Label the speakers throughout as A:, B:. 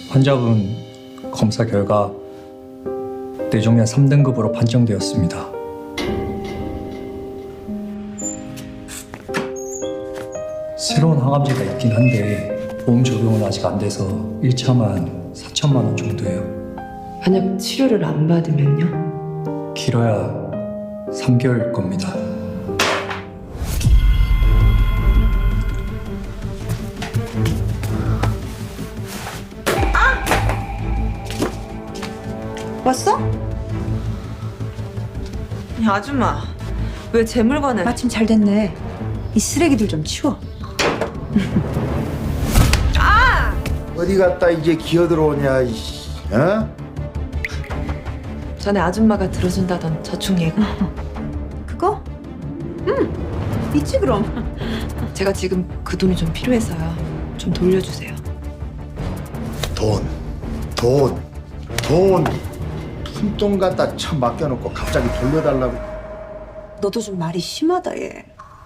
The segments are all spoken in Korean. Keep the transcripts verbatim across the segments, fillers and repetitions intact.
A: 환자분 검사 결과 뇌종양 삼 등급으로 판정되었습니다. 새로운 항암제가 있긴 한데 보험 적용은 아직 안 돼서 일 차만 사천만 원 정도예요.
B: 만약 치료를 안 받으면요?
A: 길어야 삼 개월일 겁니다.
C: 왔어?
B: 야, 아줌마, 왜 제 물건을...
C: 마침 잘 됐네. 이 쓰레기들 좀 치워.
D: 어디 갔다 이제 기어들어오냐, 이씨. 어?
B: 전에 아줌마가 들어준다던 저축 예금.
C: 그거? 응. 있지 그럼.
B: 제가 지금 그 돈이 좀 필요해서요. 좀 돌려주세요.
D: 돈, 돈, 돈. 푼돈 갖다 참 맡겨놓고 갑자기 돌려달라고.
C: 너도 좀 말이 심하다 얘.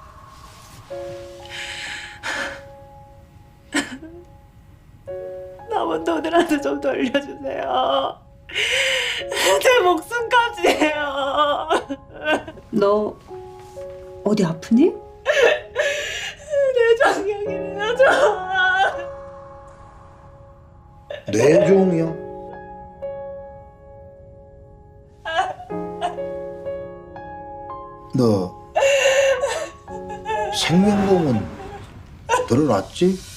B: 남은 돈이라도 좀 돌려주세요. 제 목숨까지예요.
C: 너 어디 아프니?
B: 뇌종양이네요, 저.
D: 뇌종이요? 너 생명보험은 들어놨지?